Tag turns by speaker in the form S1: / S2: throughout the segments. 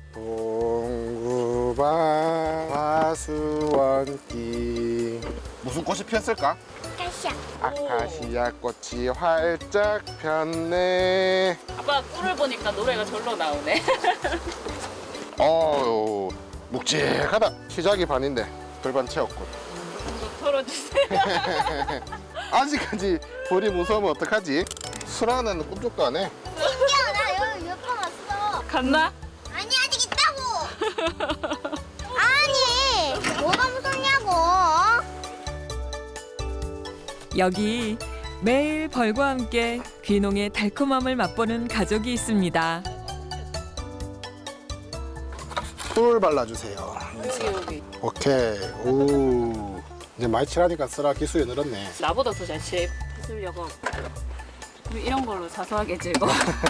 S1: 동구방 화수원길. 무슨 꽃이 피었을까?
S2: 아카시아.
S1: 아카시아 꽃이 활짝 폈네.
S3: 아빠 꿀을 보니까 노래가 절로 나오네.
S1: 어우, 묵직하다. 시작이 반인데 절반 채웠군.
S3: 좀 털어주세요.
S1: 아직까지 볼이 무서우면 어떡하지? 수라는 꿈쩍도 안 해.
S2: 신기하다. 나 여기 몇 번 왔어.
S3: 갔나?
S2: 아니 아직 있다고. 아니 뭐가 무섭냐고.
S4: 여기 매일 벌과 함께 귀농의 달콤함을 맛보는 가족이 있습니다.
S1: 풀 발라주세요.
S3: 여기.
S1: 오케이. 오. 이제 많이 칠하니까 쓰라 기술이 늘었네.
S3: 나보다 더 잘 칠해주려고. 우리 이런 걸로 사소하게 즐거.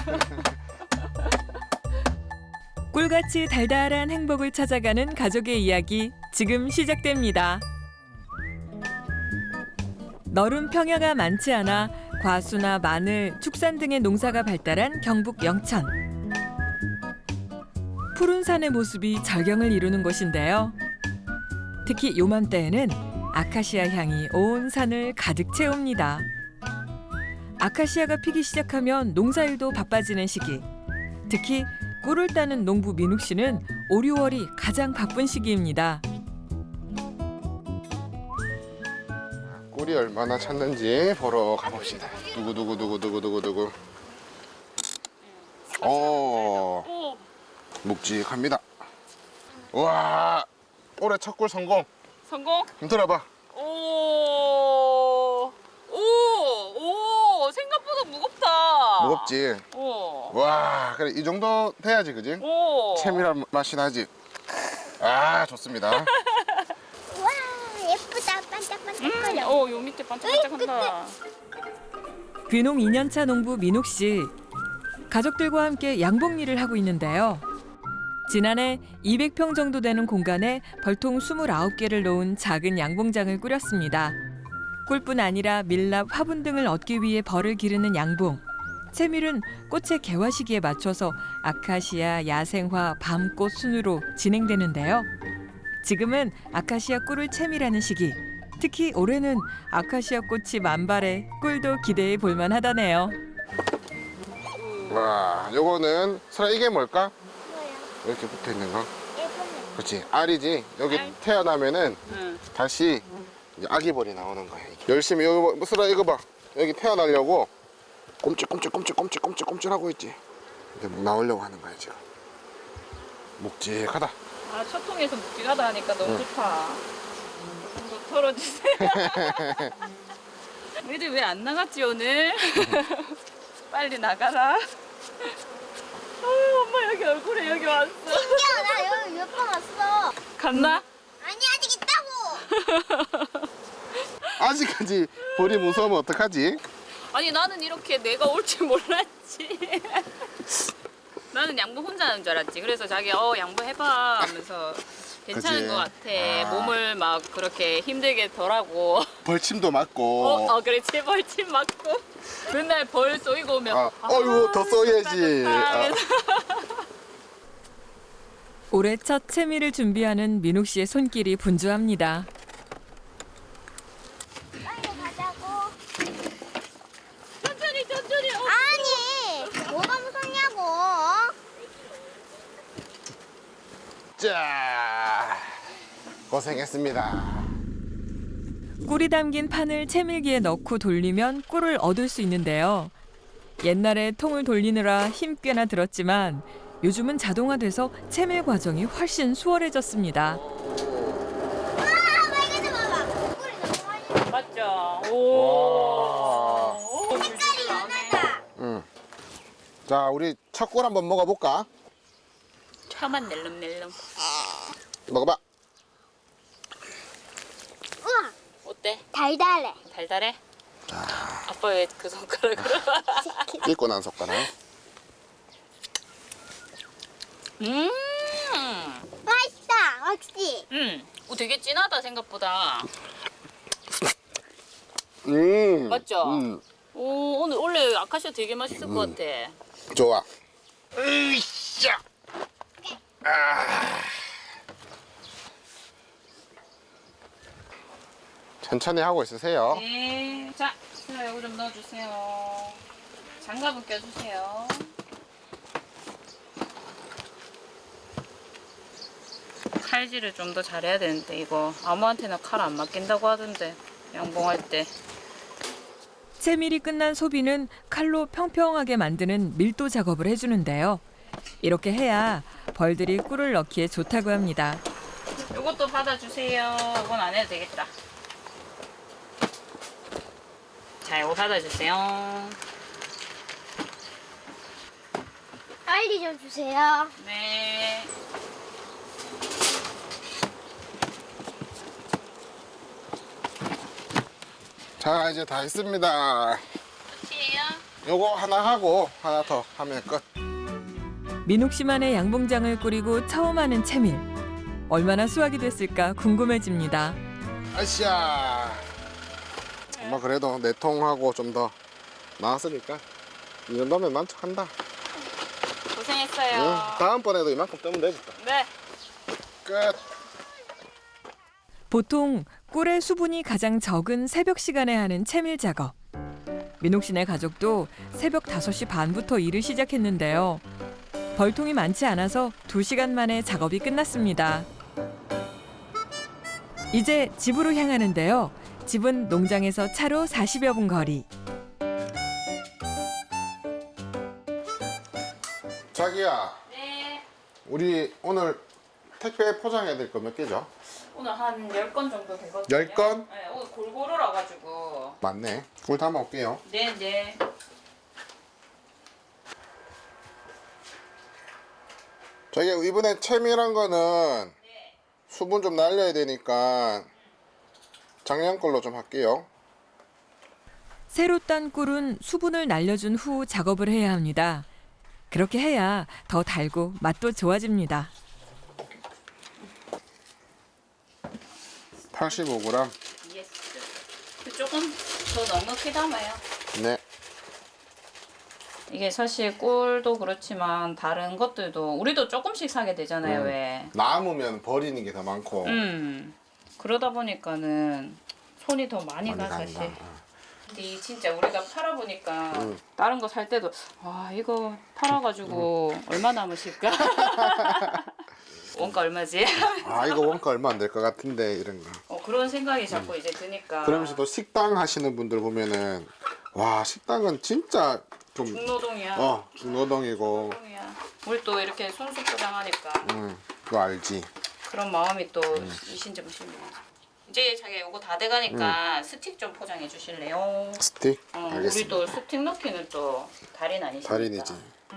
S4: 꿀같이 달달한 행복을 찾아가는 가족의 이야기 지금 시작됩니다. 너른 평야가 많지 않아 과수나 마늘, 축산 등의 농사가 발달한 경북 영천. 푸른 산의 모습이 절경을 이루는 곳인데요. 특히 요맘때에는 아카시아 향이 온 산을 가득 채웁니다. 아카시아가 피기 시작하면 농사일도 바빠지는 시기. 특히 꿀을 따는 농부 민욱 씨는 5, 6월이 가장 바쁜 시기입니다.
S1: 꿀이 얼마나 찼는지 보러 가봅시다. 두구두구두구두구두구두구.
S3: 오,
S1: 묵직합니다. 와, 올해 첫 꿀 성공.
S3: 성공.
S1: 좀 들어봐.
S3: 오, 생각보다 무겁다.
S1: 무겁지?
S3: 오,
S1: 와, 그래 이 정도 돼야지, 그지?
S3: 오.
S1: 채밀한 맛이 나지. 아, 좋습니다.
S2: 와 예쁘다. 반짝반짝거려.
S3: 요 밑에 반짝반짝한다.
S4: 귀농 2년차 농부 민욱 씨. 가족들과 함께 양봉 일을 하고 있는데요. 지난해 200평 정도 되는 공간에 벌통 29개를 놓은 작은 양봉장을 꾸렸습니다. 꿀뿐 아니라 밀랍, 화분 등을 얻기 위해 벌을 기르는 양봉. 채밀은 꽃의 개화 시기에 맞춰서 아카시아, 야생화, 밤꽃 순으로 진행되는데요. 지금은 아카시아 꿀을 채밀하는 시기. 특히 올해는 아카시아 꽃이 만발해 꿀도 기대해 볼만 하다네요.
S1: 와, 요거는 설아 이게 뭘까?
S2: 뭐야?
S1: 이렇게 붙어 있는 거.
S2: 예쁘네.
S1: 그렇지, 알이지. 여기
S3: 알.
S1: 태어나면은
S3: 응.
S1: 다시 이제 아기벌이 나오는 거야. 이게. 열심히 여기 설아 이거 봐. 여기 태어나려고 꼼찔꼼찔 하고 있지. 이제 뭐 나오려고 하는 거야 지금. 묵직하다.
S3: 아, 첫 통에서 묵직하다 하니까 너무 좋다. 좀 더 털어주세요. 애들 왜 안 나갔지 오늘? 빨리 나가라. 엄마 여기 얼굴에 여기 왔어.
S2: 신기하다. 나 여기 몇 번 왔어.
S3: 갔나?
S2: 아니 아직 있다고.
S1: 아직까지 벌이 무서우면 어떡하지?
S3: 아니 나는 이렇게 내가 올 줄 몰랐지. 나는 양보 혼자 하는 줄 알았지. 그래서 자기 양보 해봐 하면서 괜찮은
S1: 그치?
S3: 것 같아.
S1: 아.
S3: 몸을 막 그렇게 힘들게 덜하고.
S1: 벌침도 맞고.
S3: 그렇지. 벌침 맞고. 맨날 벌 쏘이고 오면.
S1: 어이구 더 써야지.
S3: 좋다.
S4: 올해 첫 채밀을 준비하는 민욱 씨의 손길이 분주합니다.
S2: 빨리 가자고.
S3: 천천히.
S2: 아니 뭐가 무섭냐고.
S1: 자, 고생했습니다.
S4: 꿀이 담긴 판을 채밀기에 넣고 돌리면 꿀을 얻을 수 있는데요. 옛날에 통을 돌리느라 힘 꽤나 들었지만 요즘은 자동화돼서 채밀 과정이 훨씬 수월해졌습니다.
S2: 아 빨간색 봐봐. 꿀이 너무 많이.
S3: 맞죠?
S1: 와.
S2: 색깔이 연하다.
S1: 응. 자, 우리 첫 꿀 한번 먹어볼까?
S3: 혀만 낼름낼름.
S1: 먹어봐.
S2: 우와
S3: 어때?
S2: 달달해.
S3: 달달해? 아빠 왜 그 손가락으로?
S1: 씻고 난 손가락.
S2: 맛있다. 확실히.
S3: 되게 진하다 생각보다. 맞죠? 오늘 원래 아카시아 되게 맛있을 것 같아.
S1: 좋아. 으쌰. 천천히 하고 있으세요.
S3: 네. 자, 슬라 요거 좀 넣어주세요. 장갑은 껴주세요. 칼질을 좀 더 잘해야 되는데 이거 아무한테나 칼 안 맡긴다고 하던데 양봉할 때.
S4: 채밀이 끝난 소비는 칼로 평평하게 만드는 밀도 작업을 해주는데요. 이렇게 해야 벌들이 꿀을 넣기에 좋다고 합니다.
S3: 요것도 받아주세요. 이건 안 해도 되겠다. 자, 이거 받아주세요.
S2: 빨리 좀 주세요.
S3: 네.
S1: 자, 이제 다 했습니다.
S3: 끝이에요?
S1: 요거 하나 하고 하나 더 하면 끝.
S4: 민옥 씨만의 양봉장을 꾸리고 처음 하는 채밀. 얼마나 수확이 됐을까 궁금해집니다.
S1: 아시아. 엄마 그래도 4통하고 좀 더 나왔으니까 이 정도면 만족한다.
S3: 고생했어요.
S1: 응, 다음번에도 이만큼 뜨면 되겠다.
S3: 네.
S1: 끝.
S4: 보통 꿀의 수분이 가장 적은 새벽 시간에 하는 채밀 작업. 민옥 씨네 가족도 새벽 5시 반부터 일을 시작했는데요. 벌통이 많지 않아서 2시간 만에 작업이 끝났습니다. 이제 집으로 향하는데요. 집은 농장에서 차로 40여 분 거리.
S1: 자기야,
S3: 네.
S1: 우리 오늘 택배 포장해야 될 거 몇 개죠?
S3: 오늘 한 10건 정도 되거든요.
S1: 10건?
S3: 네, 오늘 골고루라 가지고.
S1: 맞네. 꿀 담아 올게요.
S3: 네, 네.
S1: 자기야, 이번에 채밀한 거는 수분 좀 날려야 되니까 작년 걸로 좀 할게요.
S4: 새로 딴 꿀은 수분을 날려준 후 작업을 해야 합니다. 그렇게 해야 더 달고 맛도 좋아집니다.
S1: 85g.
S3: 예스. 조금 더 넉넉히 담아요.
S1: 네.
S3: 이게 사실 꿀도 그렇지만 다른 것들도 우리도 조금씩 사게 되잖아요, 왜?
S1: 남으면 버리는 게 더 많고.
S3: 그러다 보니까는 손이 더 많이 가,
S1: 간다.
S3: 사실. 근데 이 진짜 우리가 팔아보니까 다른 거 살 때도 와, 이거 팔아가지고 얼마 남으실까? 원가 얼마지?
S1: 아, 이거 원가 얼마 안 될 것 같은데 이런 거.
S3: 그런 생각이 자꾸 이제 드니까.
S1: 그러면서 또 식당 하시는 분들 보면은 와, 식당은 진짜 좀
S3: 중노동이야.
S1: 중노동이고.
S3: 중노동이야. 우리 또 이렇게 손수 포장하니까
S1: 그거 알지.
S3: 그런 마음이 또 이신저부신 이제 자기 요거 다 돼가니까 스틱 좀 포장해 주실래요?
S1: 스틱?
S3: 우리
S1: 알겠습니다.
S3: 또 스틱 넣기는 또 달인 아니십니까?
S1: 달인이지.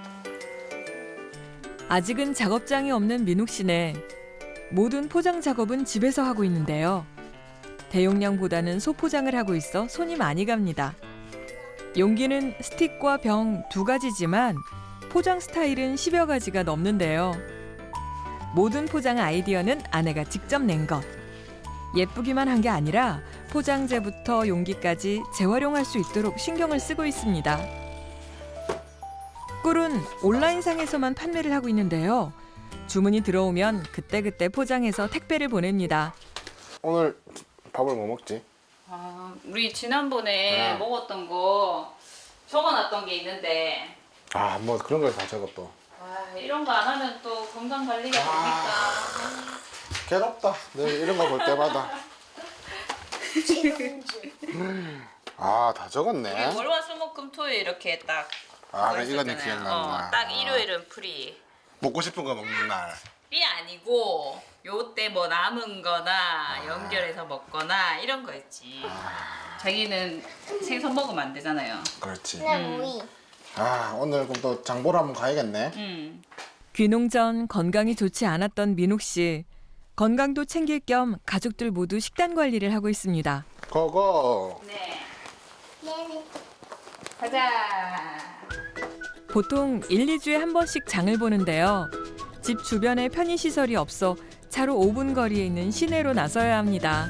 S4: 아직은 작업장이 없는 민욱 씨네. 모든 포장 작업은 집에서 하고 있는데요. 대용량보다는 소포장을 하고 있어 손이 많이 갑니다. 용기는 스틱과 병 2가지지만 포장 스타일은 10여 가지가 넘는데요. 모든 포장 아이디어는 아내가 직접 낸 것. 예쁘기만 한 게 아니라 포장재부터 용기까지 재활용할 수 있도록 신경을 쓰고 있습니다. 꿀은 온라인상에서만 판매를 하고 있는데요. 주문이 들어오면 그때그때 포장해서 택배를 보냅니다.
S1: 오늘 밥을 뭐 먹지?
S3: 우리 지난번에 먹었던 거 적어놨던 게 있는데
S1: 아, 뭐 그런 걸 다 적어 또.
S3: 이런 거 안 하면 또 건강 관리가 됩니까?
S1: 괴롭다. 늘 이런 거 볼 때마다. 아, 다 적었네.
S3: 우리 월화수목금토일 이렇게 딱
S1: 아,
S3: 있었잖아요.
S1: 이거는 기억난다.
S3: 딱 일요일은 프리.
S1: 먹고 싶은 거 먹는 날.
S3: 이 아니고 요때 뭐 남은 거나 연결해서 먹거나 이런 거 있지. 자기는 생선 먹으면 안 되잖아요.
S1: 그렇지.
S2: 그냥 오이.
S1: 아, 오늘 그럼 또 장보러 한번 가야겠네.
S4: 귀농 전 건강이 좋지 않았던 민욱 씨. 건강도 챙길 겸 가족들 모두 식단 관리를 하고 있습니다.
S1: 고고.
S3: 네.
S2: 네네.
S3: 가자.
S4: 보통 1, 2주에 한 번씩 장을 보는데요. 집 주변에 편의시설이 없어 차로 5분 거리에 있는 시내로 나서야 합니다.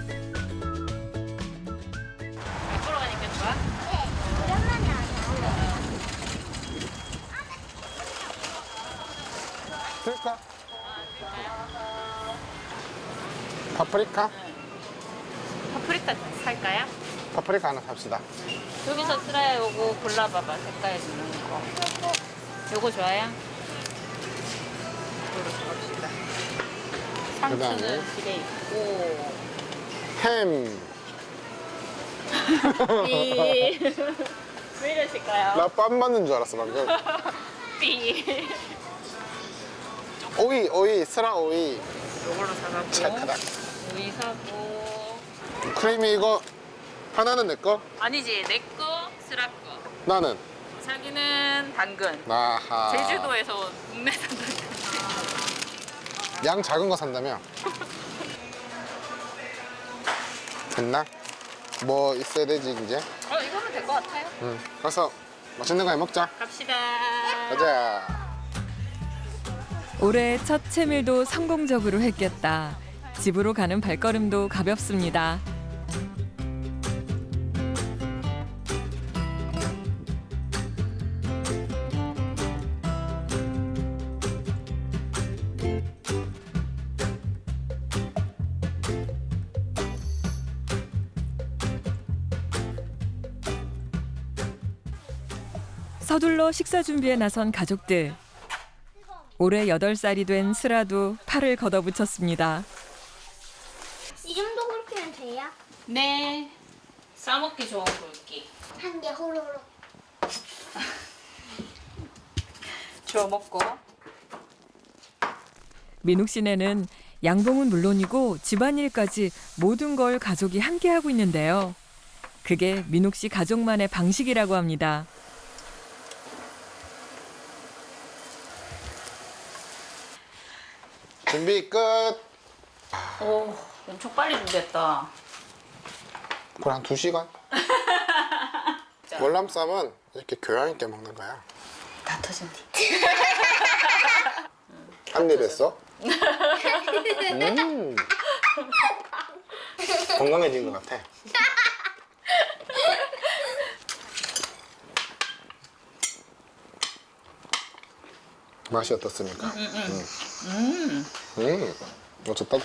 S3: 보러 가니까 좋아?
S2: 네. 오랜만에 하자.
S1: 될까? 파프리카?
S3: 파프리카 살까요?
S1: 파프리카 하나 삽시다.
S3: 여기서 쓰라야 요거 골라봐봐. 색깔 있는 거. 요거 좋아요? 요거 삽시다. 상추는
S1: 그다음에?
S3: 집에 있고.
S1: 햄.
S3: 삐. 왜 이러실까요?
S1: 나 빰 맞는 줄 알았어 방금.
S3: 삐.
S1: 오이, 스라 오이.
S3: 요걸로 사가고.
S1: 착하다.
S3: 오이 사고.
S1: 크림이 이거 하나는 내 거?
S3: 아니지, 내 거, 쓰라 거.
S1: 나는.
S3: 자기는 당근.
S1: 아하.
S3: 제주도에서 국내산 당근.
S1: 양 작은 거 산다며? 됐나? 뭐 있어야 되지 이제?
S3: 이거면 될 것 같아요.
S1: 응. 가서 맛있는 거 해 먹자.
S3: 갑시다.
S1: 가자.
S4: 올해 첫 채밀도 성공적으로 했겠다. 집으로 가는 발걸음도 가볍습니다. 서둘러 식사 준비에 나선 가족들. 올해 8살이 된 슬아도 팔을 걷어붙였습니다.
S2: 이 정도 그렇게는 돼요?
S3: 네. 싸먹기 좋은 굵기.
S2: 한 개 호로록.
S3: 주워 먹고.
S4: 민욱 씨네는 양봉은 물론이고 집안일까지 모든 걸 가족이 함께 하고 있는데요. 그게 민욱 씨 가족만의 방식이라고 합니다.
S1: 준비 끝.
S3: 오, 엄청 빨리 준비했다.
S1: 그걸 한 2시간? 월남쌈은 이렇게 교양 있게 먹는 거야.
S3: 다 터진 뒤.
S1: 한 입 했어? 건강해진 것 같아. 맛이 어떻습니까? 어쩌다고?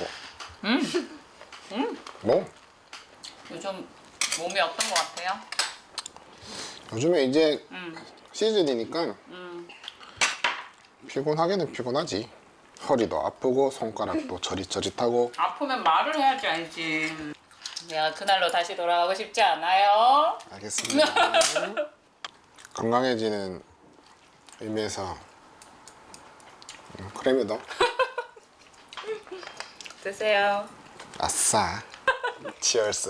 S1: 뭐?
S3: 요즘 몸이 어떤 것 같아요?
S1: 요즘에 이제 시즌이니까
S3: 음.
S1: 피곤하기는 피곤하지. 허리도 아프고 손가락도 저릿저릿하고.
S3: 아프면 말을 해야지 알지. 내가 그날로 다시 돌아가고 싶지 않아요.
S1: 알겠습니다. 건강해지는 의미에서 크림이도
S3: 드세요.
S1: 아싸. 치얼스.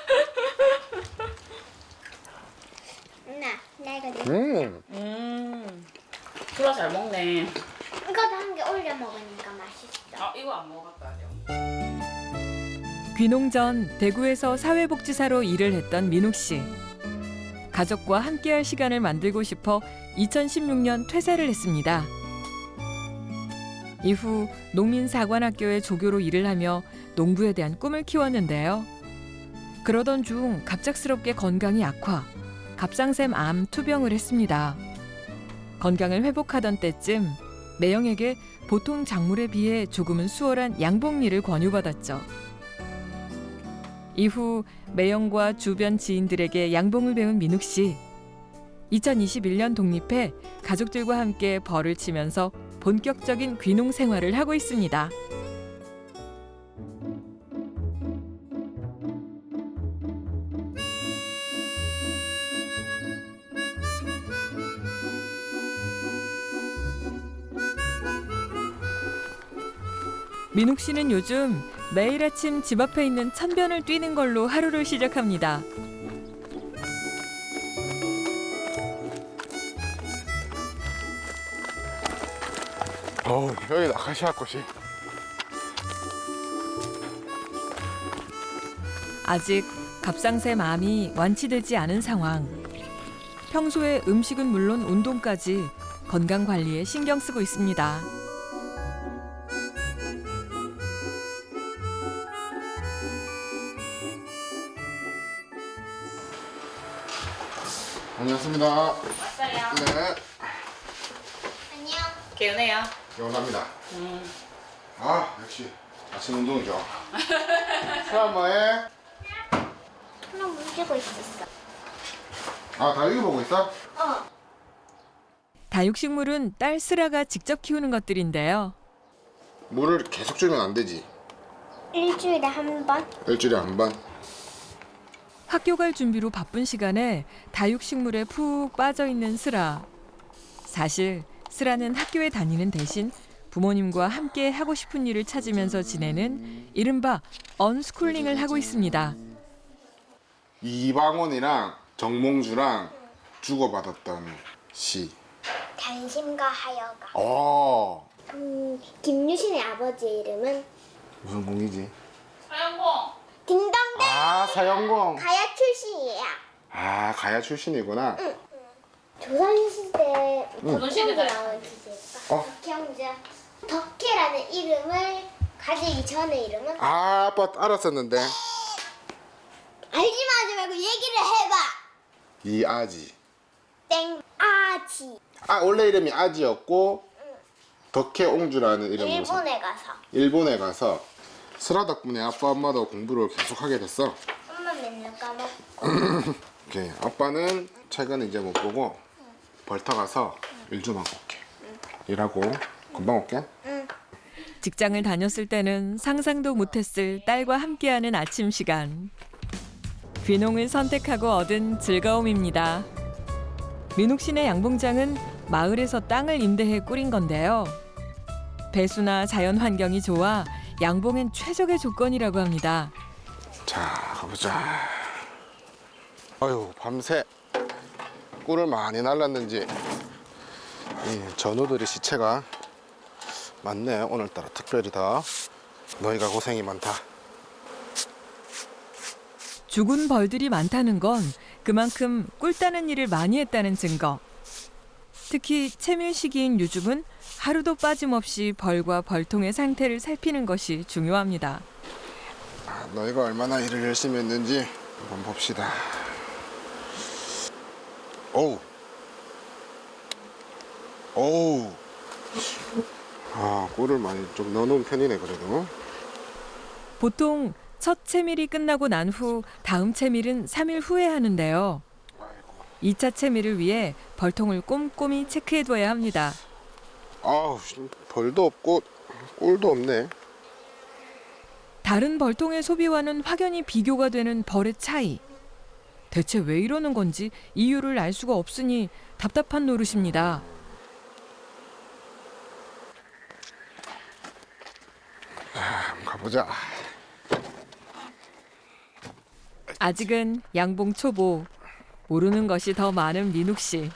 S2: 나 이거
S3: 수라 잘 먹네.
S2: 이거도 한 개 올려 먹으니까 맛있어.
S3: 이거 안 먹었다 아직.
S4: 귀농 전 대구에서 사회복지사로 일을 했던 민욱 씨. 가족과 함께할 시간을 만들고 싶어 2016년 퇴사를 했습니다. 이후 농민사관학교의 조교로 일을 하며 농부에 대한 꿈을 키웠는데요. 그러던 중 갑작스럽게 건강이 악화, 갑상샘 암 투병을 했습니다. 건강을 회복하던 때쯤 매형에게 보통 작물에 비해 조금은 수월한 양봉리를 권유받았죠. 이후 매형과 주변 지인들에게 양봉을 배운 민욱 씨. 2021년 독립해 가족들과 함께 벌을 치면서 본격적인 귀농 생활을 하고 있습니다. 민욱 씨는 요즘 매일 아침 집 앞에 있는 천변을 뛰는 걸로 하루를 시작합니다.
S1: 여기 아카시아 꽃이.
S4: 아직 갑상샘 암이 완치되지 않은 상황. 평소에 음식은 물론 운동까지 건강 관리에 신경 쓰고 있습니다.
S1: 안녕하십니다.
S3: 왔어요.
S1: 네.
S2: 안녕.
S3: 개운해요.
S1: 영원합니다. 역시 아침 운동이죠. 수아 뭐해?
S2: 하나 물주고 있었어.
S1: 아 다육이 보고 있어?
S4: 다육식물은 딸 스라가 직접 키우는 것들인데요.
S1: 물을 계속 주면 안 되지.
S2: 일주일에 한 번?
S1: 일주일에 한 번.
S4: 학교 갈 준비로 바쁜 시간에 다육식물에 푹 빠져 있는 스라. 사실 스라는 학교에 다니는 대신 부모님과 함께 하고 싶은 일을 찾으면서 지내는 이른바 언스쿨링을 하고 있습니다.
S1: 이방원이랑 정몽주랑 주고받았던 시.
S2: 단심과 하여가.
S1: 어.
S2: 김유신의 아버지 이름은
S1: 무슨 공이지?
S3: 사연공.
S2: 딩동댕.
S1: 아 사형공.
S2: 가야 출신이야.
S1: 아 가야 출신이구나.
S2: 조선시대
S3: 조선시대
S2: 덕혜옹주 나온 기지였어. 덕혜옹주. 덕혜라는 이름을 가지기 전에 이름은
S1: 아 아빠 알았었는데.
S2: 알기만 하지 말고 얘기를 해봐.
S1: 이아지.
S2: 땡 아지.
S1: 아 원래 이름이 아지였고 덕혜옹주라는 이름으로
S2: 일본에 가서
S1: 일본에 가서 슬아 덕분에 아빠 엄마도 공부를 계속하게 됐어.
S2: 엄마 맨날 까먹고.
S1: 오케이. 아빠는 최근 이제 못 보고 벌타 가서 일 좀 하고 올게. 일하고 금방 올게.
S4: 직장을 다녔을 때는 상상도 못했을 딸과 함께하는 아침 시간. 귀농을 선택하고 얻은 즐거움입니다. 민욱 씨네 양봉장은 마을에서 땅을 임대해 꾸린 건데요. 배수나 자연 환경이 좋아 양봉엔 최적의 조건이라고 합니다.
S1: 자 가보자. 아유 밤새 꿀을 많이 날랐는지 이 전우들의 시체가 많네. 오늘따라 특별히 더 너희가 고생이 많다.
S4: 죽은 벌들이 많다는 건 그만큼 꿀 따는 일을 많이 했다는 증거. 특히 채밀 시기인 요즘은 하루도 빠짐없이 벌과 벌통의 상태를 살피는 것이 중요합니다.
S1: 너희가 얼마나 일을 열심히 했는지 한번 봅시다. 오우. 오우. 아, 꿀을 많이 좀 넣어놓은 편이네, 그래도.
S4: 보통 첫 채밀이 끝나고 난 후 다음 채밀은 3일 후에 하는데요. 2차 채밀을 위해 벌통을 꼼꼼히 체크해둬야 합니다.
S1: 아우, 벌도 없고 꿀도 없네.
S4: 다른 벌통의 소비와는 확연히 비교가 되는 벌의 차이. 대체 왜 이러는 건지 이유를 알 수가 없으니 답답한 노릇입니다.
S1: 한번 가보자.
S4: 아직은 양봉 초보. 모르는 것이 더 많은 민욱 씨.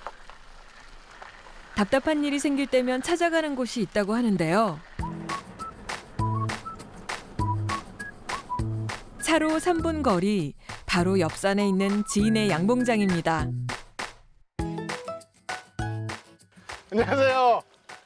S4: 답답한 일이 생길 때면 찾아가는 곳이 있다고 하는데요. 차로 3분 거리, 바로 옆산에 있는 지인의 양봉장입니다.
S1: 안녕하세요.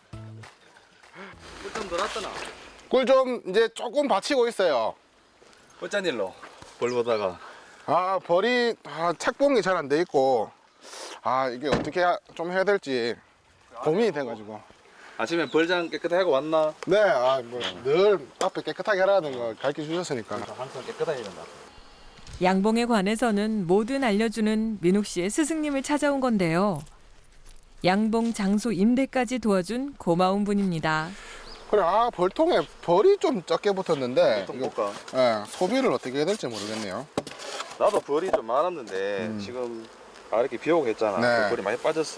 S5: 꿀 좀 놀았더나.
S1: 꿀 좀 이제 조금 받치고 있어요.
S5: 어쩐 일로 벌 보다가.
S1: 아, 벌이 착봉이 잘 안 돼 있고, 아, 이게 어떻게 좀 해야 될지 고민이 돼가지고.
S5: 아침에 벌장 깨끗하게 하고 왔나?
S1: 네, 아, 뭐 늘 앞에 깨끗하게 하라는 거 가르쳐 주셨으니까.
S5: 항상 깨끗하게 된다.
S4: 양봉에 관해서는 뭐든 알려주는 민욱 씨의 스승님을 찾아온 건데요. 양봉 장소 임대까지 도와준 고마운 분입니다.
S1: 그래, 아, 벌통에 벌이 좀 적게 붙었는데,
S5: 좀
S1: 이거,
S5: 볼까?
S1: 예, 소비를 어떻게 해야 될지 모르겠네요.
S5: 나도 벌이 좀 많았는데 지금 이렇게 비 오고 했잖아.
S1: 네.
S5: 벌이 많이 빠졌어.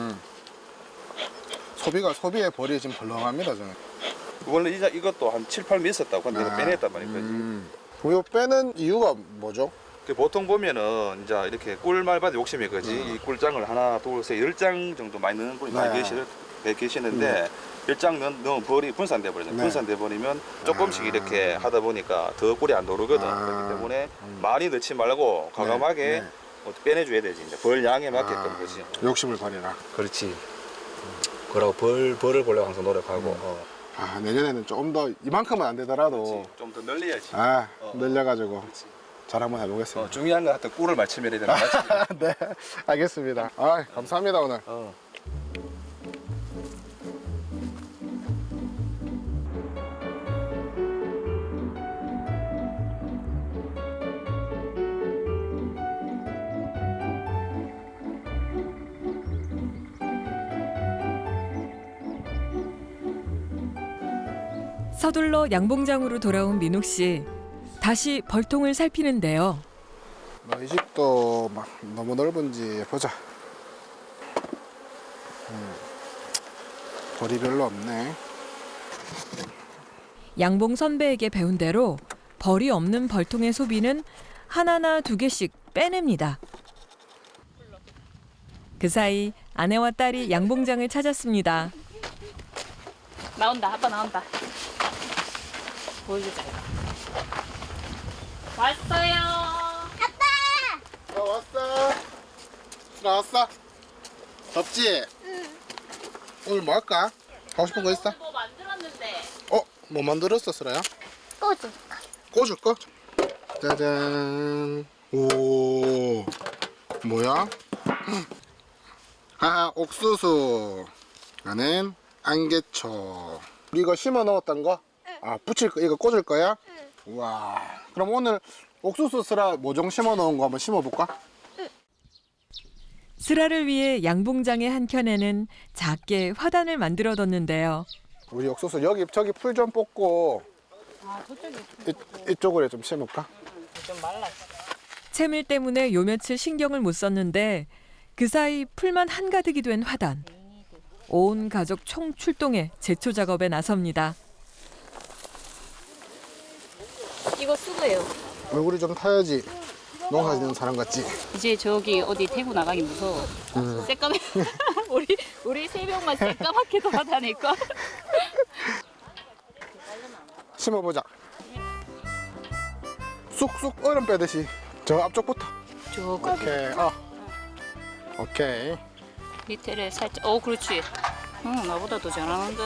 S1: 소비의 벌이 지금 벌렁합니다, 저는.
S5: 원래 이것도 한 7, 8미 있었다고. 근데 내가 빼냈단 말이야.
S1: 이거 빼는 이유가 뭐죠?
S5: 보통 보면은 이제 이렇게 꿀말밭 욕심이 거지. 이 꿀장을 하나, 둘, 셋, 10장 정도 많이 넣는 분이 많이 계시는데 10장 넣으면 벌이 분산돼 버리잖아.
S1: 네.
S5: 분산돼 버리면 조금씩 이렇게 하다 보니까 더 꿀이 안 도르거든. 그렇기 때문에 많이 넣지 말고 과감하게
S1: 네.
S5: 빼내줘야 되지. 이제 벌 양에 맞게끔 그지.
S1: 욕심을 버리라.
S5: 그렇지. 그러고 벌을 보려고 항상 노력하고.
S1: 아, 내년에는 좀 더 이만큼은 안 되더라도
S5: 좀 더 늘려야지.
S1: 늘려가지고 잘 한번 해보겠습니다.
S5: 중요한 건 하여튼 꿀을 맞추면 해야 되는 거지.
S1: 네, 알겠습니다. 아, 감사합니다 오늘.
S4: 서둘러 양봉장으로 돌아온 민옥 씨. 다시 벌통을 살피는데요.
S1: 이 집도 막 너무 넓은지 보자. 벌이 별로 없네.
S4: 양봉 선배에게 배운 대로 벌이 없는 벌통의 소비는 하나나 두 개씩 빼냅니다. 그 사이 아내와 딸이 양봉장을 찾았습니다.
S3: 나온다. 아빠 나온다. 보여주자. 이거. 왔어요.
S1: 나 왔어. 나왔어. 덥지? 오늘 뭐 할까? 하고 싶은 거 있어?
S3: 뭐 만들었는데.
S1: 뭐 만들었어, 슬아야?
S2: 꼬지.
S1: 꽂을 거? 짜잔. 오, 뭐야? 옥수수. 나는 안개초. 우리 이거 심어 넣었던 거? 붙일 거, 이거 꽂을 거야? 우와. 그럼 오늘 옥수수 슬아 모종 심어 넣은 거 한번 심어 볼까?
S4: 슬아를 위해 양봉장의 한 켠에는 작게 화단을 만들어뒀는데요.
S1: 우리 옥수수 여기 저기 풀 좀 뽑고
S3: 저쪽에
S1: 이쪽으로 좀 심을까?
S3: 좀 말랐어.
S4: 채밀 때문에 요 며칠 신경을 못 썼는데 그 사이 풀만 한가득이 된 화단. 온 가족 총 출동해 제초 작업에 나섭니다.
S3: 이거 수고해요.
S1: 얼굴이 좀 타야지 농사 짓는 사람 같지?
S3: 이제 저기 어디 대구 나가기 무서워. 새까매. 우리 세 명만 새까맣게 돌아다닐까?
S1: 심어보자. 쑥쑥 얼음 빼듯이 저 앞쪽부터.
S3: 저거
S1: 오케이. 오케이.
S3: 밑에를 살짝. 그렇지. 나보다 더 잘하는데.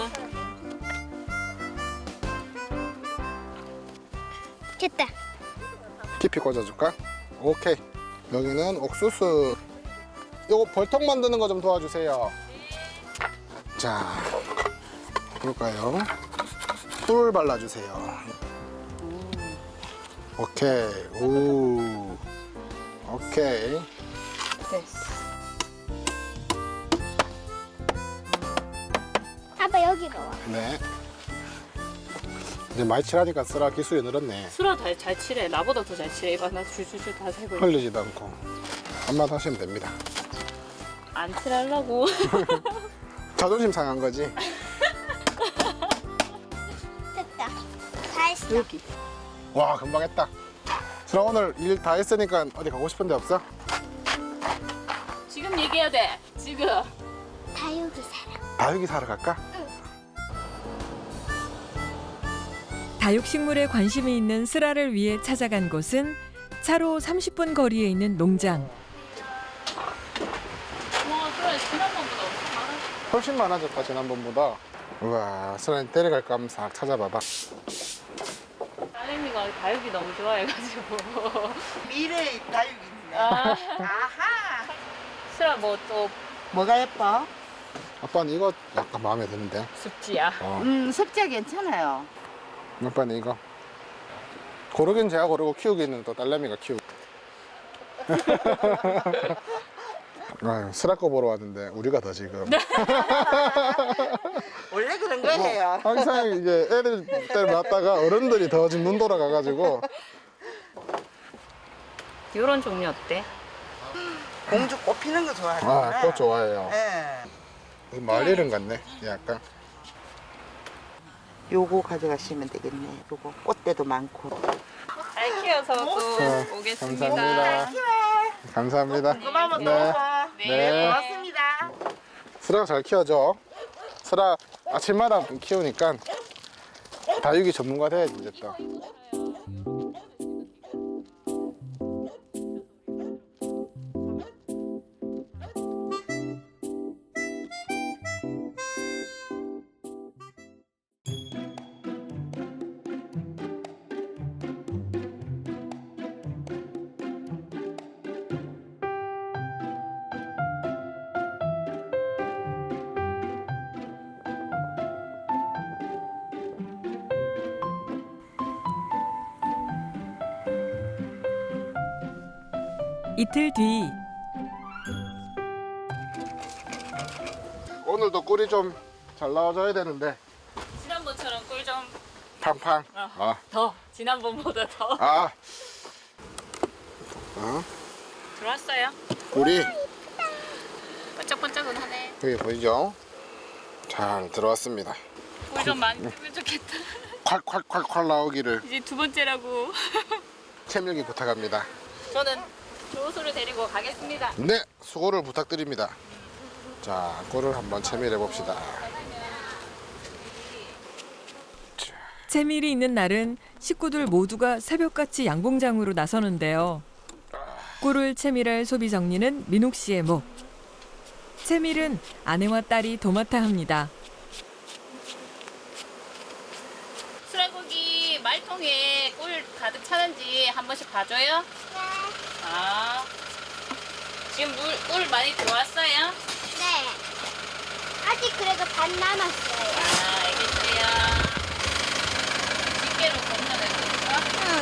S2: 됐다.
S1: 깊이 꽂아줄까? 오케이. 여기는 옥수수. 요거 벌통 만드는 거 좀 도와주세요. 자, 볼까요? 풀 발라주세요. 오케이. 오. 오케이.
S3: 됐어.
S2: 아빠 여기로 와.
S1: 네. 이제 많이 칠하니까 쓰라 기술이 늘었네.
S3: 수라 잘 칠해. 나보다 더 잘 칠해. 이봐 나 줄줄줄 다 세고 있어.
S1: 흘리지도 않고 한번 하시면 됩니다.
S3: 안 칠하려고.
S1: 자존심 상한 거지.
S2: 됐다. 다 했어.
S3: 여기.
S1: 와, 금방 했다. 그럼 오늘 일 다 했으니까 어디 가고 싶은 데 없어?
S3: 지금 얘기해야 돼. 지금.
S2: 다육이 사람.
S1: 다육이 사러 갈까?
S4: 다육식물에 관심이 있는 슬아를 위해 찾아간 곳은 차로 30분 거리에 있는 농장.
S3: 그래 지난번보다 엄청 많아.
S1: 훨씬 많아졌다 지난번보다. 우와, 슬아님 데려갈까 한번 싹 찾아봐봐.
S3: 딸내미가 다육이 너무 좋아해가지고.
S6: 미래의 다육이네.
S3: 아,
S6: 아하.
S3: 수라 뭐 또
S6: 뭐가 예뻐?
S1: 아빠는 이거 약간 마음에 드는데.
S3: 습지야.
S6: 습자 괜찮아요.
S1: 아빠는 이거. 고르긴 제가 고르고 키우기는 또 딸내미가 키우고. 아유, 슬아 거 보러 왔는데 우리가 더 지금.
S6: 원래 그런 거예요.
S1: 항상 이게 애들 때문에 왔다가 어른들이 더 지금 눈 돌아가가지고.
S3: 이런 종류 어때?
S6: 공주 꽃 피는 거 좋아하는구나.
S1: 꽃 좋아해요.
S6: 예.
S1: 마을 이름 같네, 약간.
S6: 요거 가져가시면 되겠네. 요거 꽃대도 많고.
S3: 잘 키워서 또
S1: 네,
S3: 오겠습니다.
S1: 감사합니다. 감사합니다.
S6: 고마워,
S1: 네.
S3: 네.
S6: 고맙습니다.
S1: 슬아가 잘 키워줘. 슬아 아침마다 키우니까 다육이 전문가 돼야지 이제 또.
S4: 이틀 뒤
S1: 오늘도 꿀이 좀 잘 나와줘야 되는데.
S3: 지난번처럼 꿀 좀
S1: 팡팡. 아,
S3: 더 지난번보다 더
S1: 아.
S3: 들어왔어요.
S1: 꿀이
S3: 반짝반짝은 하네.
S1: 여기 보이죠? 잘 들어왔습니다.
S3: 꿀 좀 많이 뜨면 좋겠다.
S1: 콸콸콸콸 나오기를
S3: 이제 두 번째라고.
S1: 채밀기 부탁합니다.
S3: 저는 조수를 데리고 가겠습니다.
S1: 네, 수고를 부탁드립니다. 자, 꿀을 한번 채밀해 봅시다.
S4: 채밀이 있는 날은 식구들 모두가 새벽같이 양봉장으로 나서는데요. 꿀을 채밀할 소비 정리는 민옥 씨의 목. 채밀은 아내와 딸이 도맡아 합니다.
S3: 수라고기 말통에 꿀 가득 차는지 한 번씩 봐줘요.
S2: 네.
S3: 아, 지금 꿀 많이 들어왔어요?
S2: 네. 아직 그래도 반 남았어요.
S3: 아, 알겠어요. 집게로 건져내고 있어?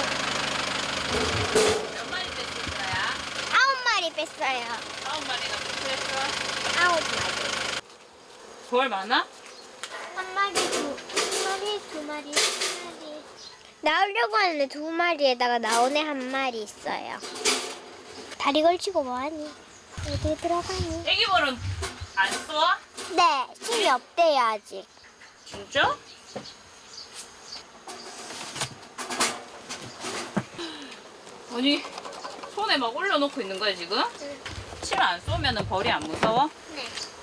S2: 응.
S3: 몇 마리 뺐을 거야?
S2: 9마리 뺐어요.
S3: 9마리나 뺐어.
S2: 9마리.
S3: 돌 많아?
S2: 한 마리, 두 마리. 나오려고 하는데 2마리에다가 나오네 1마리 있어요. 다리 걸치고 뭐하니? 어디 들어가니?
S3: 애기볼은 안 써?
S2: 네, 힘이 없대요 아직.
S3: 진짜? 아니, 손에 막 올려놓고 있는 거야 지금? 칠 안 쏘면 벌이 안 무서워?
S2: 네.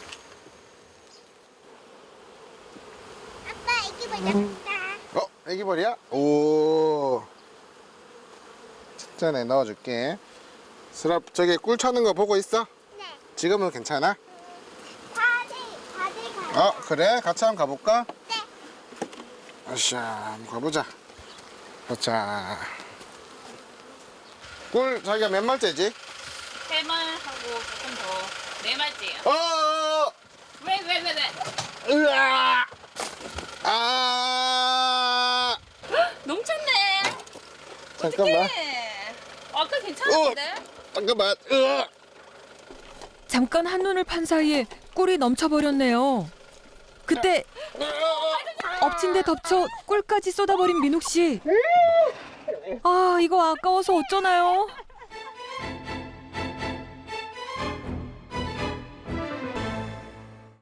S2: 아빠 애기 보자.
S1: 애기벌이야? 오. 진짜네, 넣어줄게. 슬아, 저기 꿀 차는 거 보고 있어?
S2: 네.
S1: 지금은 괜찮아?
S2: 다들 가.
S1: 그래? 같이 한번 가볼까?
S2: 네.
S1: 아샤, 한번 가보자. 자. 꿀 자기가 몇 말째지?
S3: 3말하고 조금 더 4말째야.
S1: 어!
S3: 왜?
S1: 으아! 아!
S3: 넘쳤네.
S1: 잠깐만.
S3: 어떡해. 아까 괜찮았는데?
S1: 잠깐만. 으아!
S4: 잠깐 한눈을 판 사이에 꿀이 넘쳐버렸네요. 그때 엎친 데 덮쳐 꿀까지 쏟아버린 민옥 씨. 아, 이거 아까워서 어쩌나요?